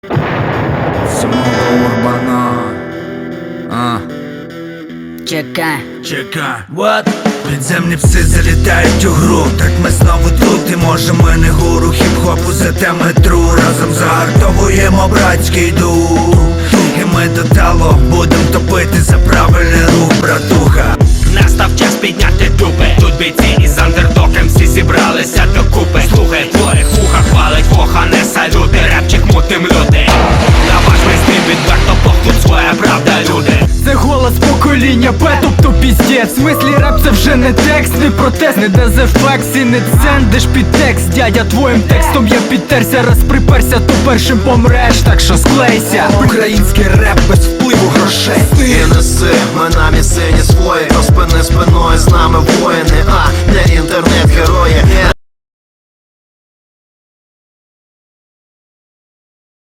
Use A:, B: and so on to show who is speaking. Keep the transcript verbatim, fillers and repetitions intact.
A: Самого Урбана. А.
B: Чекай.
A: Чекай. What? Підземні пси залітають у гру. Так ми знову тут, і може ми не гуру хіп-хопу, зате ми тру. Разом загартовуємо братський дух. І ми до талу будем топити за правильний рух, братуха.
C: Настав час підняти дупи. Тут бійці із андердоком всі зібралися докупи. Слухай, твоїх вуха хвалить воха, не салюти. Репчик мутим люди. На ваш весний відверто Бог, тут своя правда, люди.
D: Це голос покоління Б, тобто піздець. В смислі реп це вже не текст, не протест, не дезефекс і не цендиш під текст. Дядя, твоїм текстом я підтерся, раз приперся, то першим помреш, так що склейся. Український реп без впливу грошей.
E: І неси, ми на місцині свої, розпини спиною, з нами воїни, а не інтернет-герої.